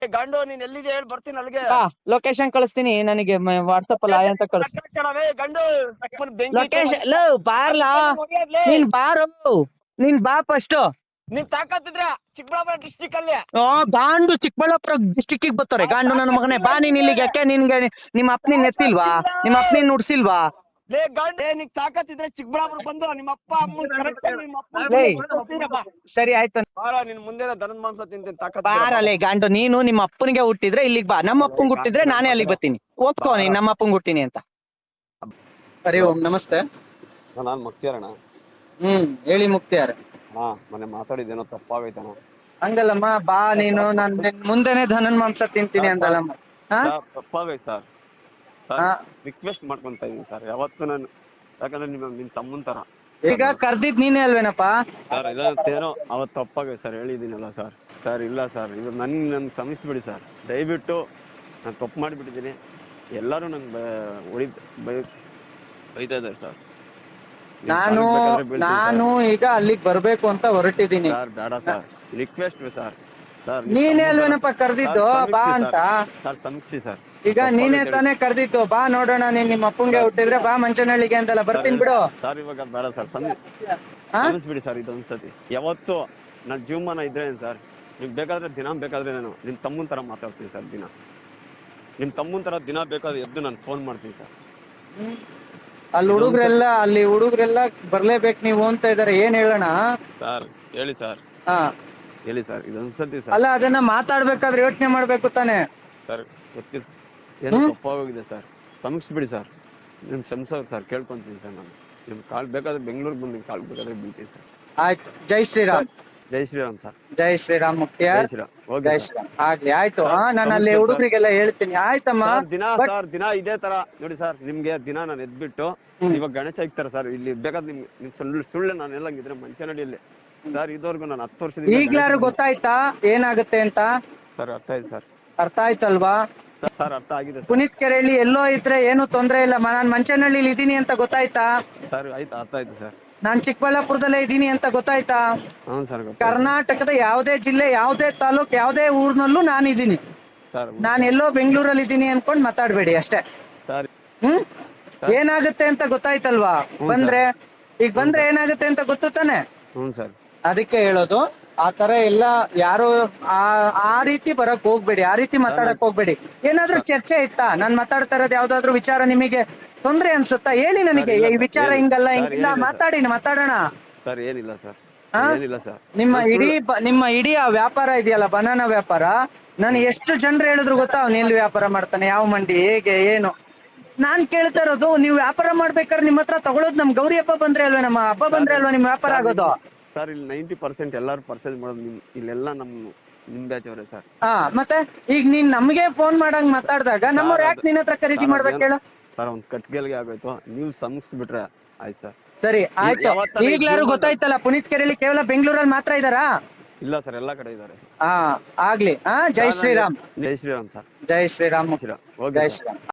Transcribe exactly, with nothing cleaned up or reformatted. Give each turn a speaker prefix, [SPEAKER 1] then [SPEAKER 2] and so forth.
[SPEAKER 1] ಗಂಡು ನೀನ್ ಎಲ್ಲಿದೆ ಹೇಳಿ ಬರ್ತೀನಿ ಅಲ್ಲಿಗೆ.
[SPEAKER 2] ಬಾ ಲೊಕೇಶನ್ ಕಳಿಸ್ತೀನಿ ನನಗೆ ವಾಟ್ಸಪ್ ಅಲ್ಲಿ ಆಯ್ ಅಂತ ಕಳ್ಸಿ.
[SPEAKER 1] ಗಂಡು
[SPEAKER 2] ಲೊಕೇಶನ್ ಲೋ ಬಾರ್ಲಾ ನೀನ್ ಬಾರು ನೀನ್ ಬಾ ಫಸ್ಟ್.
[SPEAKER 1] ನೀನ್ ತಾಕತ್ತಿದ್ರೆ ಚಿಕ್ಕಬಳ್ಳಾಪುರ ಡಿಸ್ಟಿಕ್ ಅಲ್ಲಿ
[SPEAKER 2] ಗಾಂಡು ಚಿಕ್ಕಬಳ್ಳಾಪುರ ಡಿಸ್ಟಿಕ್ ಬರ್ತಾರೆ ಗಾಂಡು ನನ್ನ ಮಗನೇ. ಬಾ ನೀನ್ ಇಲ್ಲಿಗೆ. ಯಾಕೆ ನಿನ್ಗೆ ನಿಮ್ಮ ಅಪ್ಪನಿನ್ ಎತ್ತಿಲ್ವಾ? ನಿಮ್ಮ ಅಪ್ಪನಿನ್ ನುಡ್ಸಿಲ್ವಾ?
[SPEAKER 1] ಲೇ ಗಂಡು ನೀನ್ ತಾಕತ್ತಿದ್ರೆ ಚಿಕ್ಕಬಳ್ಳಾಪುರ ಬಂದು ನಿಮ್ಮ ಅಪ್ಪ ಅಮ್ಮ ಕರೆಕ್ಟ್ ನಿಮ್ಮ ಅಪ್ಪ.
[SPEAKER 2] ಸರಿ ಆಯ್ತು
[SPEAKER 1] ನಿನ್ ಮುಂದೆ ದನದ ಮಾಂಸ ತಿಂತೀನಿ ತಾಕತ್.
[SPEAKER 2] ಬಾರಲ್ಲೇ ಗಾಂಡು. ನೀನು ನಿಮ್ಮ ಅಪ್ಪನಿಗೆ ಹುಟ್ಟಿದ್ರೆ ಇಲ್ಲಿಗೆ ಬಾ. ನಮ್ಮ ಅಪ್ಪಂಗ್ ಹುಟ್ಟಿದ್ರೆ ನಾನೇ ಅಲ್ಲಿಗೆ ಬರ್ತೀನಿ. ಒಪ್ಕೋ ನೀನ್ ನಮ್ಮ ಅಪ್ಪಂಗ್ ಹುಟ್ಟಿನಿ ಅಂತ. ಹರಿ ಓಂ ನಮಸ್ತೆ.
[SPEAKER 1] ನಾನ್ ಮುಕ್ತಿಯಾರಣ.
[SPEAKER 2] ಹ್ಮ್ ಹೇಳಿ ಮುಕ್ತಿಯಾರ.
[SPEAKER 1] ಹಾ ಮೊನ್ನೆ ಮಾತಾಡಿದ್ದೇನೋ ತಪ್ಪಾಗೈತಣ್ಣ.
[SPEAKER 2] ಹಂಗಲ್ಲಮ್ಮ ಬಾ ನೀನು ನಾನ್ ಮುಂದೆನೆ ಧನನ್ ಮಾಂಸ ತಿಂತೀನಿ ಅಂದಲ್ಲಮ್ಮ.
[SPEAKER 1] ತಪ್ಪಾಗೈತೆ ಸರ್. ರಿಕ್ವೆಸ್ಟ್ ಮಾಡ್ಕೊಂತ ಇದೀನಿ ಸರ್ ಯಾವತ್ತು ನಾನು. ಯಾಕಂದ್ರೆ ನಿಮ್ಮ ನಿಮ್ ತಮ್ಮನ್ ತರ.
[SPEAKER 2] ಈಗ ಕರ್ದಿದ್ ನೀನೇ ಅಲ್ವೇನಪ್ಪ
[SPEAKER 1] ಸರ್? ಇದೇನೋ ಅವತ್ತು ತಪ್ಪಾಗೈತೆ ಸರ್, ಹೇಳಿದ್ದೀನಲ್ಲ ಸರ್. ಸರ್ ಇಲ್ಲ ಸರ್, ಇದು ನನ್ ನನ್ ಕ್ಷಮಿಸ್ಬಿಡಿ ಸರ್ ದಯವಿಟ್ಟು. ನಾನು ತಪ್ಪು ಮಾಡಿಬಿಟ್ಟಿದ್ದೀನಿ. ಎಲ್ಲರೂ ನಂಗೆ ಹೊಡಿ ಬೈ ಬೈತಾ ಇದ್ದಾರೆ ಸರ್.
[SPEAKER 2] ನಾನು ನಾನು ಈಗ ಅಲ್ಲಿಗೆ ಬರ್ಬೇಕು ಅಂತ ಹೊರಟಿದ್ದೀನಿ
[SPEAKER 1] ಸರ್. ಬೇಡ ಸರ್, ರಿಕ್ವೆಸ್ಟ್ ಸರ್. ಸರ್
[SPEAKER 2] ನೀನೇ ಅಲ್ವೇನಪ್ಪ ಕರ್ದಿದ್ದು ಬಾ ಅಂತ.
[SPEAKER 1] ಸರ್ ಕ್ಷಮಿಸಿ ಸರ್.
[SPEAKER 2] ಈಗ ನೀನೇ ತಾನೇ ಕರ್ದಿತ್ತು ಬಾ ನೋಡೋಣ. ನೀನ್ ನಿಮ್ಮ ಅಪ್ಪಂಗೆ ಹುಟ್ಟಿದ್ರೆ ಬಾ ಮಂಚನಹಳ್ಳಿಗೆ ಅಂತಲ್ಲ ಬರ್ತೀನಿ ಬಿಡು.
[SPEAKER 1] ಸರ್ ಇವಾಗ ಬೇಡ ಸರ್, ಕ್ಷಮಿಸ್ಬಿಡಿ ಸರ್. ಇದೊಂದ್ಸತಿ ಯಾವತ್ತು ನನ್ನ ಜೀವಮಾನ ಇದ್ರೆ ಸರ್, ನಿಮ್ಗೆ ಬೇಕಾದ್ರೆ ದಿನ ಬೇಕಾದ್ರೆ ನಾನು ನಿಮ್ ತಮ್ಮನ್ ತರ ಮಾತಾಡ್ತೀನಿ ಸರ್. ದಿನ ನಿಮ್ ತಮ್ಮನ್ ತರ ದಿನ ಬೇಕಾದ್ರೆ ಎದ್ದು ನಾನು ಫೋನ್ ಮಾಡ್ತೀನಿ ಸರ್.
[SPEAKER 2] ಅಲ್ಲಿ ಹುಡುಗ್ರೆಲ್ಲ ಅಲ್ಲಿ ಹುಡುಗ್ರೆಲ್ಲ ಬರ್ಲೇಬೇಕು ನೀವು ಅಂತ ಇದಾರೆ. ಏನ್ ಹೇಳೋಣ
[SPEAKER 1] ಸರ್? ಹೇಳಿ ಸರ್.
[SPEAKER 2] ಹಾ
[SPEAKER 1] ಹೇಳಿ ಸರ್. ಇದೊಂದ್ಸತಿ ಸರ್.
[SPEAKER 2] ಅಲ್ಲ ಅದನ್ನ ಮಾತಾಡ್ಬೇಕಾದ್ರೆ ಯೋಚನೆ ಮಾಡ್ಬೇಕು ತಾನೆ
[SPEAKER 1] ಸರ್. ಗೊತ್ತಿಲ್ಲ ಏನೋ ತಪ್ಪಾಗೋಗಿದೆ ಸರ್, ಕ್ಷಮಿಸ್ಬಿಡಿ ಸರ್. ನಿಮ್ ಕ್ಷಮಿಸೋರು ಸರ್, ಕೇಳ್ಕೊಂತೀನಿ ಸರ್. ನಾನು ನಿಮ್ ಕಾಲ್ ಬೇಕಾದ್ರೆ ಬೆಂಗಳೂರು ಬಂದು ನಿಮ್ ಕಾಲ್ ಬೇಕಾದ್ರೆ ಬೀಳ್ತೀನಿ ಸರ್.
[SPEAKER 2] ಆಯ್ತು. ಜೈ ಶ್ರೀರಾಮ್.
[SPEAKER 1] ಜೈ ಶ್ರೀರಾಮ್ ಸರ್.
[SPEAKER 2] ಜೈ ಶ್ರೀರಾಮ್ ಮುಕ್ತಿಯಾರ್. ಜೈ ಶ್ರೀರಾಮ್. ಆಗ್ಲಿ ಆಯ್ತು. ಹಾ ನಾನು ಅಲ್ಲಿ ಹುಡುಗರಿಗೆಲ್ಲ ಹೇಳ್ತೀನಿ. ಆಯ್ತಮ್ಮ.
[SPEAKER 1] ದಿನ ಸರ್ ದಿನ ಇದೇ ತರ ನೋಡಿ ಸರ್. ನಿಮ್ಗೆ ದಿನ ನಾನು ಎದ್ಬಿಟ್ಟು ಇವಾಗ ಗಣೇಶ ಇಕ್ತಾರ ಸರ್ ಇಲ್ಲಿ. ಬೇಕಾದ್ರೆ ನಿಮ್ಗೆ ನಿಮ್ ಸುಳ್ಳು ಸುಳ್ಳು ನಾನು ಎಲ್ಲಂಗಿದ್ರೆ ಮಂಚನಹಳ್ಳಿಯಲ್ಲಿ ಸರ್ ಇದುವರೆಗೂ ನಾನು ಹತ್ತು ವರ್ಷದಿಂದ.
[SPEAKER 2] ಈಗ್ಲಾರು ಗೊತ್ತಾಯ್ತಾ ಏನಾಗುತ್ತೆ ಅಂತ?
[SPEAKER 1] ಸರ್ ಅರ್ಥ ಆಯ್ತು ಸರ್.
[SPEAKER 2] ಅರ್ಥ ಆಯ್ತಲ್ವಾ?
[SPEAKER 1] ಸರ್ ಅರ್ಥ ಆಗಿದೆ.
[SPEAKER 2] ಪುನೀತ್ ಕೆರೆಹಳ್ಳಿ ಎಲ್ಲೋ ಇದ್ರೆ ಏನು ತೊಂದ್ರೆ ಇಲ್ಲ. ನಾನ್ ಮಂಚನಹಳ್ಳಿಲಿ ಇದೀನಿ ಅಂತ ಗೊತ್ತಾಯ್ತಾ?
[SPEAKER 1] ಸರ್ ಆಯ್ತು, ಅರ್ಥ ಆಯ್ತು ಸರ್.
[SPEAKER 2] ನಾನ್ ಚಿಕ್ಕಬಳ್ಳಾಪುರದಲ್ಲೇ ಇದೀನಿ ಅಂತ ಗೊತ್ತಾಯ್ತಾ?
[SPEAKER 1] ಹ್ಮ್ ಸರ್.
[SPEAKER 2] ಕರ್ನಾಟಕದ ಯಾವ್ದೇ ಜಿಲ್ಲೆ ಯಾವ್ದೇ ತಾಲೂಕ್ ಯಾವ್ದೇ ಊರ್ನಲ್ಲೂ ನಾನು ಇದೀನಿ. ನಾನ್ ಎಲ್ಲೋ ಬೆಂಗಳೂರಲ್ಲಿ ಇದೀನಿ ಅನ್ಕೊಂಡ್ ಮಾತಾಡ್ಬೇಡಿ ಅಷ್ಟೇ. ಹ್ಮ್ ಏನಾಗುತ್ತೆ ಅಂತ ಗೊತ್ತಾಯ್ತಲ್ವಾ? ಬಂದ್ರೆ ಈಗ ಬಂದ್ರೆ ಏನಾಗುತ್ತೆ ಅಂತ ಗೊತ್ತು ತಾನೆ?
[SPEAKER 1] ಹ್ಮ್ ಸರ್.
[SPEAKER 2] ಅದಕ್ಕೆ ಹೇಳೋದು ಆ ತರ ಎಲ್ಲ ಯಾರು ಆ ಆ ರೀತಿ ಬರಕ್ ಹೋಗ್ಬೇಡಿ. ಆ ರೀತಿ ಮಾತಾಡಕ್ ಹೋಗ್ಬೇಡಿ. ಏನಾದ್ರೂ ಚರ್ಚೆ ಇತ್ತಾ? ನಾನ್ ಮಾತಾಡ್ತಾ ಇರೋದು ಯಾವ್ದಾದ್ರು ವಿಚಾರ ನಿಮಗೆ ತೊಂದ್ರೆ ಅನ್ಸುತ್ತಾ? ಹೇಳಿ ನನಗೆ ಈ ವಿಚಾರ ಹಿಂಗಲ್ಲ ಹಿಂಗಿಲ್ಲ ಮಾತಾಡಿ ಮಾತಾಡೋಣ.
[SPEAKER 1] ಸರ್ ಏನಿಲ್ಲ ಸರ್. ಏನಿಲ್ಲ ಸರ್.
[SPEAKER 2] ನಿಮ್ಮ ಇಡೀ ನಿಮ್ಮ ಇಡೀ ಆ ವ್ಯಾಪಾರ ಇದೆಯಲ್ಲ ಬನಾನಾ ವ್ಯಾಪಾರ, ನಾನು ಎಷ್ಟು ಜನರು ಹೇಳಿದ್ರು ಗೊತ್ತಾ ಅವ್ನು ಎಲ್ಲಿ ವ್ಯಾಪಾರ ಮಾಡ್ತಾನೆ, ಯಾವ ಮಂಡಿ, ಹೇಗೆ, ಏನು. ನಾನ್ ಕೇಳ್ತಾ ಇರೋದು ನೀವು ವ್ಯಾಪಾರ ಮಾಡ್ಬೇಕಾದ್ರೆ ನಿಮ್ಮ ಹತ್ರ ತಗೊಳೋದು ನಮ್ ಗೌರಿ ಹಬ್ಬ ಬಂದ್ರೆ ಅಲ್ವಾ, ನಮ್ಮ ಹಬ್ಬ ಬಂದ್ರೆ ಅಲ್ವಾ ನಿಮ್ ವ್ಯಾಪಾರ ಆಗೋದು?
[SPEAKER 1] ಸರ್ ಇಲ್ಲಿ ನೈಂಟಿ ಪರ್ಸೆಂಟ್ ಎಲ್ಲಾರು ಪರ್ಚೇಸ್ ಮಾಡೋದು ಇಲ್ಲೆಲ್ಲ ನಮ್ ನಿಮ್ ಬ್ಯಾಚ್ ಅವರೇ ಸರ್.
[SPEAKER 2] ಹಾ ಮತ್ತೆ ಈಗ ನೀನ್ ನಮ್ಗೆ ಫೋನ್ ಮಾಡಂಗ್ ಮಾತಾಡ್ದಾಗ ನಮ್ಮವ್ರು ಯಾಕೆ ನಿನ್ನ ಹತ್ರ ಖರೀದಿ ಮಾಡ್ಬೇಕು ಹೇಳು?
[SPEAKER 1] ಸರ್ ಒಂದ್ ಕಟ್ಗೆಲ್ಗೆ ಆಗೋಯ್ತು, ನೀವು ಸಮಸ್ಬಿಟ್ರೆ ಆಯ್ತು ಸರ್.
[SPEAKER 2] ಸರಿ ಆಯ್ತು. ಈಗ್ಲಾರು ಗೊತ್ತಾಯ್ತಲ್ಲ ಪುನೀತ್ ಕೆರೆಹಳ್ಳಿ ಕೇವಲ ಬೆಂಗಳೂರಲ್ಲಿ ಮಾತ್ರ ಇದಾರಾ?
[SPEAKER 1] ಇಲ್ಲ ಸರ್, ಎಲ್ಲಾ ಕಡೆ ಇದಾರೆ.
[SPEAKER 2] ಹಾ ಆಗ್ಲಿ. ಹಾ ಜೈ ಶ್ರೀರಾಮ್.
[SPEAKER 1] ಜೈ ಶ್ರೀರಾಮ್ ಸರ್.
[SPEAKER 2] ಜೈ ಶ್ರೀರಾಮ್.
[SPEAKER 1] ಜೈ ಶ್ರೀರಾಮ್.
[SPEAKER 2] ಜೈ ಶ್ರೀರಾಮ್.